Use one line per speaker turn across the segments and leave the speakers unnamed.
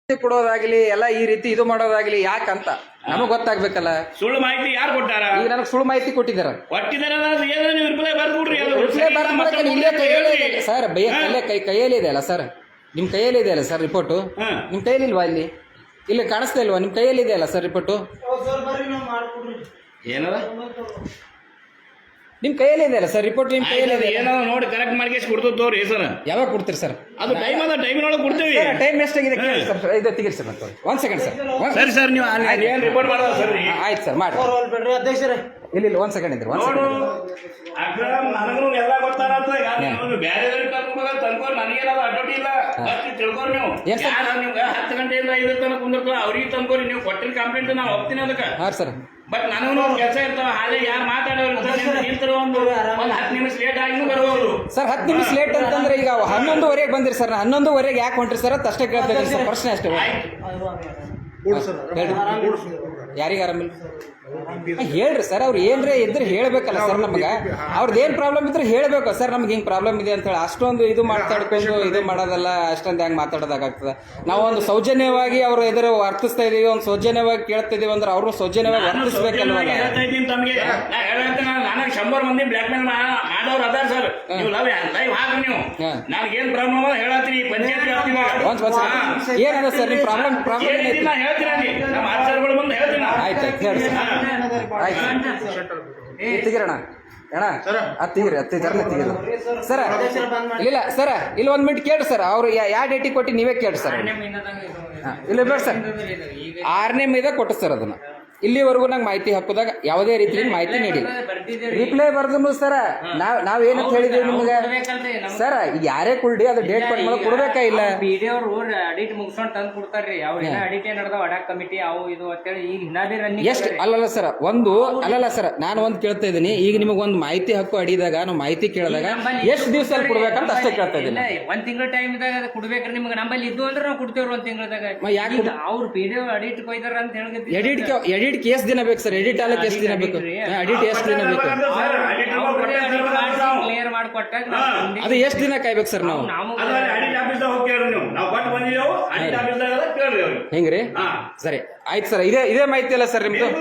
ಕೊಡೋದಾಗ್ಲಿ ಎಲ್ಲ ಈ ರೀತಿ ಇದು ಮಾಡೋದಾಗ್ಲಿ ಯಾಕಂತ ನಮಗ್ ಗೊತ್ತಾಗ್ಬೇಕಲ್ಲ.
ಸುಳ್ಳು ಮಾಹಿತಿ ಯಾರು ಕೊಟ್ಟಾರ?
ಈಗ ನನಗೆ ಸುಳ್ಳು ಮಾಹಿತಿ ಕೊಟ್ಟಿದ್ದಾರ. ಸರ್ ಕೈಯಲ್ಲಿ ಇದೆ ಅಲ್ಲ ಸರ್, ನಿಮ್ ಕೈಯಲ್ಲಿ ಇದೆ ಅಲ್ಲ ಸರ್ ರಿಪೋರ್ಟು? ನಿಮ್ ಕೈಯಲ್ಲಿ ಇಲ್ವಾ? ಇಲ್ಲಿ ಕಾಣಿಸ್ತಾ ಇಲ್ವಾ? ನಿಮ್ ಕೈಯಲ್ಲಿ ಇದೆ ಅಲ್ಲ ಸರ್ ರಿಪೋರ್ಟು?
ಏನದ
ನಿಮ್ ಕೈಯಲ್ಲಿ ಇದೆ ಅಲ್ಲ ಸರ್ ರಿಪೋರ್ಟ್? ನಿಮ್ ಕೈಯಲ್ಲಿ ಇದೆ,
ಏನೋ ನೋಡಿ ಕರೆಕ್ಟ್ ಮಾಡಿ ಕೊಡ್ತೋರಿ ಸರ್.
ಯಾವಾಗ ಕೊಡ್ತೀರಿ ಸರ್?
ಅದು ಟೈಮ್ ಅದ, ಟೈಮಿನೊಳಗೆ ಕೊಡ್ತೀವಿ.
ಟೈಮ್ ಎಷ್ಟಾಗಿದೆ ಇದು ತೆಗೀರಿ ಸರ್. ಮತ್ತೆ ಒಂದ್ ಸೆಕೆಂಡ್ ಸರ್.
ಸರಿ ಸರ್, ನೀವು ಏನು ರಿಪೋರ್ಟ್ ಮಾಡೋದು ಸರ್?
ಆಯ್ತು ಸರ್, ಮಾಡಿ. ಅಧ್ಯಕ್ಷರೇ ಇಲ್ಲಿ ಒಂದ್ ಸೆಕೆಂಡ್ ಇದ್ರಿ, ಒಂದ್ ಸೆಕೆಂಡ್.
ನನಗೂ ಎಲ್ಲ ಗೊತ್ತಾರತ್ತ. ಬೇರೆ ತನ್ಕೋ, ನನಗೇನಾದ್ರು ಅಡ್ಡೋಟಿ ಇಲ್ಲ. ತಿಳ್ಕೊರಿ ನೀವು. ನಿಮ್ಗೆ 10 ಗಂಟೆಯಿಂದ 5 ತನಕ ಕುಂದಿರ್ತಾವ, ಅವ್ರಿಗೆ ತಂದ್ಕೋರಿ. ನೀವು ಕೊಟ್ಟಿನ ಕಂಪ್ಲೇಂಟ್ ನಾವು ಹೋಗ್ತೀನಿ ಅದಕ್ಕೆ.
ಹಾಂ ಸರ್.
ಬಟ್ ನನಗೂ ಒಂದು ಕೆಲಸ ಇರ್ತಾವ. ಹಾಗೆ ಯಾರು ಮಾತಾಡೋರು ನಿಂತರು ಒಂದು 10 ನಿಮಿಷ ಲೇಟ್ ಆಗಿ ಬರ್ಬೋದು
ಸರ್. 10 ನಿಮಿಷ ಲೇಟ್ ಅಂತಂದ್ರೆ ಈಗ 11:15 ಬಂದಿರಿ ಸರ್. 11:15 ಯಾಕೆ ಹೊಂಟ್ರಿ ಸರ್? ಅಷ್ಟೇ ಕೇಳ್ತಾ ಸರ್, ಪ್ರಶ್ನೆ ಅಷ್ಟೇ. ಯಾರಿಗೆ ಆರಾಮಿಲ್ಲ ಹೇಳ್ರಿ ಸರ್. ಅವ್ರು ಏನ್ರೇ ಇದ್ರೆ ಹೇಳ್ಬೇಕಲ್ಲ ಸರ್. ನಮ್ಗೆ ಅವ್ರದ್ದು ಏನ್ ಪ್ರಾಬ್ಲಮ್ ಇದ್ರೆ ಹೇಳ್ಬೇಕು ಸರ್. ನಮ್ಗೆ ಹಿಂಗ್ ಪ್ರಾಬ್ಲಮ್ ಇದೆ ಅಂತ ಹೇಳಿ ಅಷ್ಟೊಂದು ಇದು ಮಾತಾಡ್ಕೊಂಡು ಇದು ಮಾಡೋದಲ್ಲ. ಅಷ್ಟೊಂದು ಹೆಂಗ್ ಮಾತಾಡೋದಾಗ್ತದೆ? ನಾವು ಒಂದು ಸೌಜನ್ಯವಾಗಿ ಅವ್ರ ಎದುರು ವರ್ತಿಸ್ತಾ ಇದೀವಿ, ಒಂದು ಸೌಜನ್ಯವಾಗಿ ಕೇಳ್ತಾ ಇದೀವಿ ಅಂದ್ರೆ ಅವರು ಸೌಜನ್ಯವಾಗಿ ವರ್ತಿಸ್ಬೇಕಲ್ವ?
ನನಗೆ 100 ಮಂದಿ ಬ್ಲಾಕ್ ಮೇಲ್ ಮಾಡೋರು ಅದಾರ ಸರ್. ನೀವು ಲೈವ್ ಹಾಕ್ರಿ. ನೀವು ನನಗೆ ಏನ್ ಪ್ರಾಬ್ಲಮ್ ಹೇಳತ್ತೀರಿ ಪಂಚಾಯತ್
ಏನದ ಸರ್ ನಿಮ್ ಪ್ರಾಬ್ಲಮ್?
ಹೇಳ್ತೀನಿ ನಮ್ಮ ಆಚಾರಗಳು ಬಂದು ಹೇಳ್ತೀನಿ.
ಆಯ್ತು ಹೇಳಿ ತೆಗಿರೋಣ ಅಣ್ಣ. ತೆಗಿರಿ ಜರ್ನ ತೆಗಿರಿ ಸರ. ಇಲ್ಲ ಸರ, ಇಲ್ಲಿ 1 ಮಿನಿಟ್ ಕೇಳ್ರಿ ಸರ್. ಅವ್ರು ಯಾವ ಡೇಟಿಗೆ ಕೊಟ್ಟು ನೀವೇ ಕೇಳ್ರಿ ಸರ್. ಇಲ್ಲ ಬೇಡ ಸರ್, 6ನೇ ಮೇದಾಗ ಕೊಟ್ಟು ಸರ್. ಅದನ್ನ ಇಲ್ಲಿವರೆಗೂ ನಂಗೆ ಮಾಹಿತಿ ಹಾಕೋದಾಗ ಯಾವುದೇ ರೀತಿ ಮಾಹಿತಿ ನೀಡಿ ರಿಪ್ಲೈ ಬರ್ದು ಸರ. ನಾವೇನಂತ ಹೇಳಿದೀವಿ ನಿಮ್ಗೆ ಸರ್? ಯಾರೇ ಕುಳ್ಳಿ ಅದು ಡೇಟ್ ಕೊಟ್ಟು ಮೇಲೆ ಕೊಡ್ಬೇಕಾ ಇಲ್ಲ?
ಅಡಿಟ್ ಮುಗಿಸ್ಕೊಂಡು ತಂದು ಕೊಡ್ತಾರ್ರಿ. ಅವ್ರ ಅಡಿಟ್ ನಡೆದಾವ ಅಡಾಕ್ ಕಮಿಟಿ ಅವು ಇದು ಅಂತೇಳಿ ಈಗ ಹಿನಾಬಿ ರನ್ನಿಂಗ್.
ಎಷ್ಟು ಅಲ್ಲಲ್ಲ ಸರ್, ಒಂದು ಅಲ್ಲಲ್ಲ ಸರ್, ನಾನು ಒಂದು ಕೇಳ್ತಾ ಇದ್ದೀನಿ. ಈಗ ನಿಮಗೆ ಒಂದು ಮಾಹಿತಿ ಹಕ್ಕು ಅಡಿದಾಗ ನಾವು ಮಾಹಿತಿ ಕೇಳಿದಾಗ ಎಷ್ಟು ದಿವಸ ಕೊಡ್ಬೇಕಂತ ಅಷ್ಟೇ ಕೇಳ್ತಾ ಇದ್ದೀನಿ.
1 ತಿಂಗಳ ಟೈಮ್ ಇದ್ದಾಗ ಕೊಡ್ಬೇಕ್ರಿ ನಿಮ್ಗೆ. ನಮ್ಮಲ್ಲಿ ಇದ್ದು ಅಂದ್ರೆ ನಾವು ಕೊಡ್ತೇವ್ರಿ 1 ತಿಂಗಳದಾಗ.
ಯಾಕೆ
ಅವ್ರು ಪಿಡಿಒ ಅಡಿಟ್ ಕೊಯ್ದಾರ ಅಂತ ಹೇಳಿದ್ವಿ.
ಎಡಿಟ್ ಎಷ್ಟು ದಿನ ಬೇಕು ಸರ್? ಎಡಿಟ್ ಆಗಕ್ಕೆ ಎಷ್ಟು ದಿನ ಬೇಕು? ಎಡಿಟ್ ಎಷ್ಟು ದಿನ ಬೇಕು?
ಕ್ಲಿಯರ್ ಮಾಡಿಕೊಟ್ಟಾಗ
ಅದು ಎಷ್ಟು ದಿನ ಕಾಯ್ಬೇಕು ಸರ್? ನಾವು ಹೆಂಗ್ರಿ? ಸರಿ ಆಯ್ತು ಸರ್. ಇದೇ ಮಾಹಿತಿ ಅಲ್ಲ ಸರ್ ನಿಮ್ದು?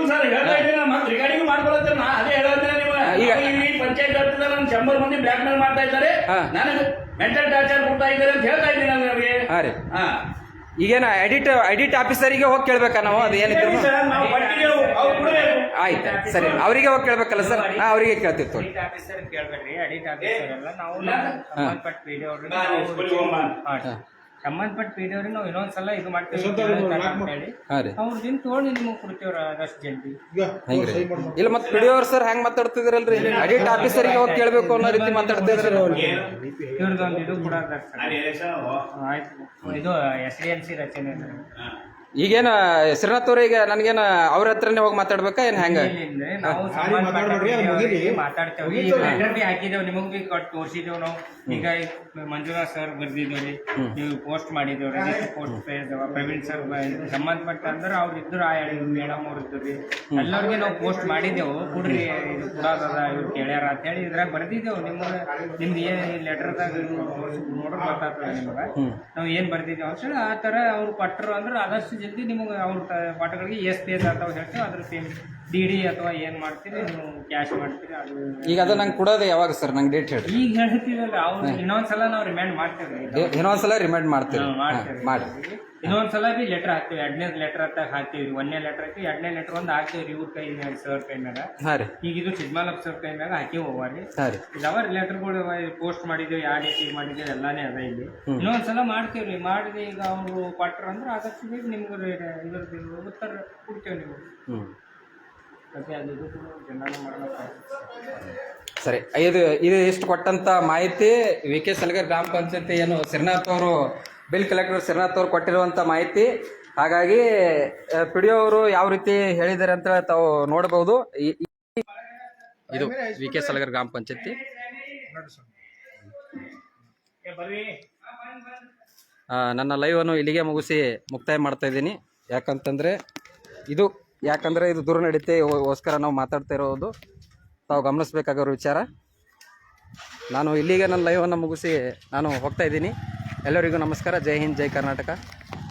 ಈಗ ಪಂಚಾಯತ್ 100 ಮಂದಿ ಬ್ಲಾಕ್ ಮೇಲ್ ಮಾಡ್ತಾ ಇದ್ದಾರೆ, ನನಗೆ ಮೆಂಟಲ್ ಟಾರ್ಚರ್ ಕೊಡ್ತಾ ಇದ್ದಾರೆ ಅಂತ ಹೇಳ್ತಾ ಇದ್ದೀನಿ ನಾನು ಅವ್ರಿಗೆ.
ಹಾಂ ರೀ. ಈಗೇನ ಎಡಿಟ್ ಆಫೀಸರಿಗೆ ಹೋಗಿ ಕೇಳ್ಬೇಕಾ ನಾವು? ಅದು ಏನಿದ್ರು ಆಯ್ತು ಸರಿ, ಅವರಿಗೆ ಹೋಗಿ ಕೇಳ್ಬೇಕಲ್ಲ ಸರ್? ಅವರಿಗೆ ಕೇಳ್ತಿತ್ತು.
ಸಂಬಂಧಪಟ್ಟ ಪಿಡಿಯವ್ರಿಗೆ ನಾವು ಇನ್ನೊಂದ್ಸಲ ಇದು ಮಾಡ್ತೀವಿ ಅವ್ರದಿಂದ ತೋಳಿ ನಿಮಗೆ ಕೊಡ್ತೀವ್ರ ಅದಷ್ಟು ಜಲ್ದಿ.
ಇಲ್ಲ ಮತ್ತೆ ಪಿಡಿಯವ್ರು ಸರ್ ಹೆಂಗ್ ಮಾತಾಡ್ತಿದ್ರಲ್ರಿ? ಎಡಿಟ್ ಆಫೀಸರಿಗೆ ಹೋಗಿ ಕೇಳ್ಬೇಕು ಅನ್ನೋ ರೀತಿ ಮಾತಾಡ್ತಿದ್ರ.
ಇವ್ರದೊಂದು ಇದು ಕೂಡ ಆಯ್ತು. ಇದು SDMC ರಚನೆ.
ಈಗೇನ ಶ್ರೀನಾಥ್ ಅವ್ರ ಈಗ ನನಗೇನ ಅವ್ರ ಹತ್ರನೇ ಹೋಗಿ ಮಾತಾಡ್ಬೇಕಾ ಏನ್ ಹೆಂಗ?
ನಾವು ಮಾತಾಡ್ತೇವೆ. ಲೆಟರ್ ಬಿ ಹಾಕಿದೇವ್, ನಿಮಗ್ ಬಿ ಕೊಟ್ಟು ತೋರಿಸಿದೇವ್ ನಾವು. ಈಗ ಮಂಜುನಾಥ್ ಸರ್ ಬರ್ದಿದ್ದೇವ್ರಿ, ನೀವು ಪೋಸ್ಟ್ ಮಾಡಿದೇವ್ರಿ. ಪೋಸ್ಟ್ ಪ್ರವೀಣ್ ಸರ್ ಸಂಬಂಧಪಟ್ಟ ಅಂದ್ರೆ ಅವ್ರು ಇದ್ರು, ಮೇಡಮ್ ಅವ್ರು ಇದ್ರಿ, ಎಲ್ಲರಿಗೆ ನಾವು ಪೋಸ್ಟ್ ಮಾಡಿದೆವು. ಕೊಡ್ರಿ ಇದು ಕೊಡೋದದ ಇವ್ರು ಕೇಳ್ಯಾರ ಅಂತ ಹೇಳಿ ಇದ್ರಾಗ ಬರ್ದಿದ್ದೇವು. ನಿಮ್ದು ಏನ್ ಲೆಟರ್ದಾಗ ನೋಡ್ರಿ ಗೊತ್ತಾಗ್ತದೆ ನಿಮ್ಗೆ ನಾವು ಏನ್ ಬರ್ದಿದ್ದೇವೆ ಅಂತೇಳಿ. ಆ ತರ ಅವ್ರು ಕೊಟ್ಟರು ಅಂದ್ರೆ ಆದಷ್ಟು ಜಲ್ದಿ ನಿಮಗೆ ಅವ್ರ ಪಾಠಗಳಿಗೆ ಎಷ್ಟು ಪೇಜ್ ಆಗ್ತಾವ ಹೇಳ್ತೀವಿ. ಅದ್ರ ಪೇಮೆಂಟ್ DD ಅಥವಾ ಏನ್ ಮಾಡ್ತೀರಿ ನೀವು ಕ್ಯಾಶ್ ಮಾಡ್ತೀರಿ. ಅದು
ಈಗ ಅದು ನಂಗೆ ಕೊಡೋದು ಯಾವಾಗ ಸರ್? ನಂಗೆ ಡೇಟ್ ಹೇಳಿ.
ಈಗ ಹೇಳ್ತೀವಲ್ಲ, ಅವ್ರು ಇನ್ನೊಂದ್ಸಲ ನಾವು ರಿಮೈಂಡ್ ಮಾಡ್ತೇವೆ.
ಇನ್ನೊಂದ್ಸಲ ರಿಮೈಂಡ್ ಮಾಡ್ತೀವಿ. ಮಾಡಿ
ಇನ್ನೊಂದ್ಸಲ ಬಿ ಲೆಟರ್ ಹಾಕ್ತೀವಿ. 2ನೇ ಲೆಟರ್ ಅಂತ ಹಾಕ್ತೀವಿ. 1ನೇ ಲೆಟರ್ ಹಾಕಿ 2ನೇ ಲೆಟರ್ ಒಂದು ಹಾಕ್ತೀವಿ ಇವ್ರ ಕೈ ಮ್ಯಾಗ, ಸರ್ ಕೈ ಮ್ಯಾಗ. ಈಗ ಇದು ಚಿದ್ಮಾಲಪ್ ಸರ್ ಕೈ ಮ್ಯಾಗ ಹಾಕಿ ಹೋಗ್ರಿ. ಇದಾವ ಲೆಟರ್ಗಳು ಪೋಸ್ಟ್ ಮಾಡಿದ್ದೇವೆ, ಯಾವ ಡೇಟಿಗೆ ಮಾಡಿದ್ದೇವೆ ಎಲ್ಲಾನೇ ಅದ. ಇಲ್ಲಿ ಇನ್ನೊಂದ್ಸಲ ಮಾಡ್ತೀವ್ರಿ. ಮಾಡಿದೆ ಈಗ ಅವ್ರು ಕೊಟ್ರ ಅಂದ್ರೆ ಆದಷ್ಟು ಬೇಗ ನಿಮ್ಗೆ ಇದ್ರದ್ದು ಉತ್ತರ ಕೊಡ್ತೇವೆ. ನೀವು ಮತ್ತೆ ಅದು ಇದು ಜನರಲ್ ಮಾಡಬೇಕು.
ಸರಿ, ಇದು ಇಷ್ಟು ಕೊಟ್ಟಂತ ಮಾಹಿತಿ VK ಸಲಗರ್ ಗ್ರಾಮ ಪಂಚಾಯತಿ ಏನು ಶ್ರೀನಾಥ್ ಅವರು ಬಿಲ್ ಕಲೆಕ್ಟರ್ ಶ್ರೀನಾಥ್ ಅವರು ಕೊಟ್ಟಿರುವಂಥ ಮಾಹಿತಿ. ಹಾಗಾಗಿ PDO ಅವರು ಯಾವ ರೀತಿ ಹೇಳಿದ್ದಾರೆ ಅಂತ ತಾವು ನೋಡಬಹುದು. ಇದು VK ಸಲಗರ್ ಗ್ರಾಮ ಪಂಚಾಯತಿ. ನನ್ನ ಲೈವನ್ನು ಇಲ್ಲಿಗೆ ಮುಕ್ತಾಯ ಮಾಡ್ತಾ ಇದ್ದೀನಿ. ಯಾಕಂದ್ರೆ ಇದು ದೂರ ನಡೀತೆಗೋಸ್ಕರ ನಾವು ಮಾತಾಡ್ತಾ ಇರೋದು ತಾವು ಗಮನಿಸಬೇಕಾಗಿರೋ ವಿಚಾರ. ನಾನು ಇಲ್ಲಿಗೆ ನನ್ನ ಲೈವನ್ನು ಮುಗಿಸಿ ನಾನು ಹೋಗ್ತಾ ಇದ್ದೀನಿ. ಎಲ್ಲರಿಗೂ ನಮಸ್ಕಾರ. ಜೈ ಹಿಂದ್, ಜೈ ಕರ್ನಾಟಕ.